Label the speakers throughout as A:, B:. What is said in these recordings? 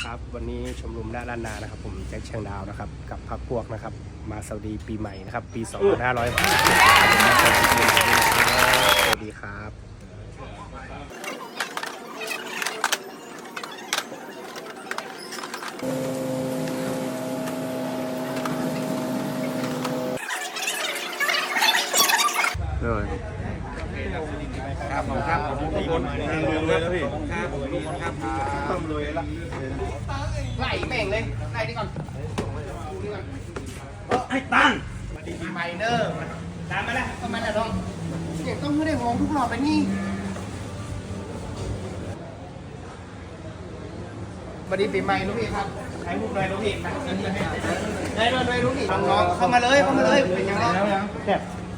A: ครับวันนี้ชมรมหน้าล้านนานะครับผมแจ็คเชียงดาวนะครับกับพรรคพวกนะครับมาสวัสดีปีใหม่นะครับปี 2500สวัสดีครับเลยครับผมครับทุกคนเลยนะพี่ครับต้องรวยละไล่แม่งเลยไล่นี่ก่อนไอ้ตั้งมาดีปีใหม่เนอร์ตามมาแล้วก็มาแล้วน้องเนี่ยต้องไม่ได้มองทุกรอบไปนี่มาดีปีใหม่ลูกพี่ครับใครพูดเลยลูกพี่ได้เลยลูกพี่น้องเข้ามาเลยเป็นยังไงแบบ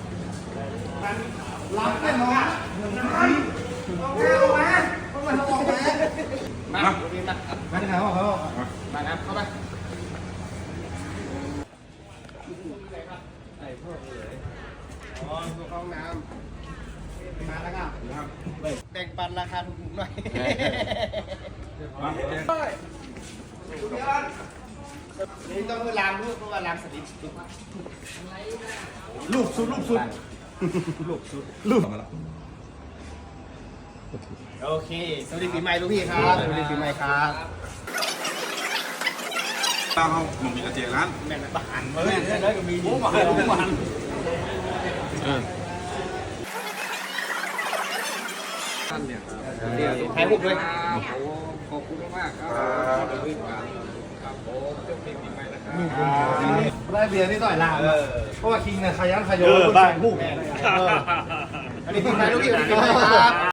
A: รับเป็นน้องมาที่ไหนวะเขามาน้ำเข้าไปอ๋อห้องน้ำมาแล้วครับแบ่งปันราคาถูกๆหน่อยนี่ต้องคือล้างลูกเพราะว่าล้างสลิปลูกสุดมาแล้วโอเคสวัสดีปีใหม่ลูกพี่ครับสวัสดีปีใหม่ครับ
B: ตั้งเขาหนุ่มมีกระเจียร้าน
A: แม่นบานเฮ้ยได้ก็มีหมูหวาน
B: ท่านเนี่ย
A: ถ่ายรูปด้วย
B: ขอบคุณมากครับครับผมเจ้าเพลงปีใหม่นะครับ
C: ได้เบียร์นี่ต่อยลาเพราะว่าคิงเนี่ยขยันขยโยบ้านผู้
A: อันนี้ปีใหม่ลูกพี่ครับ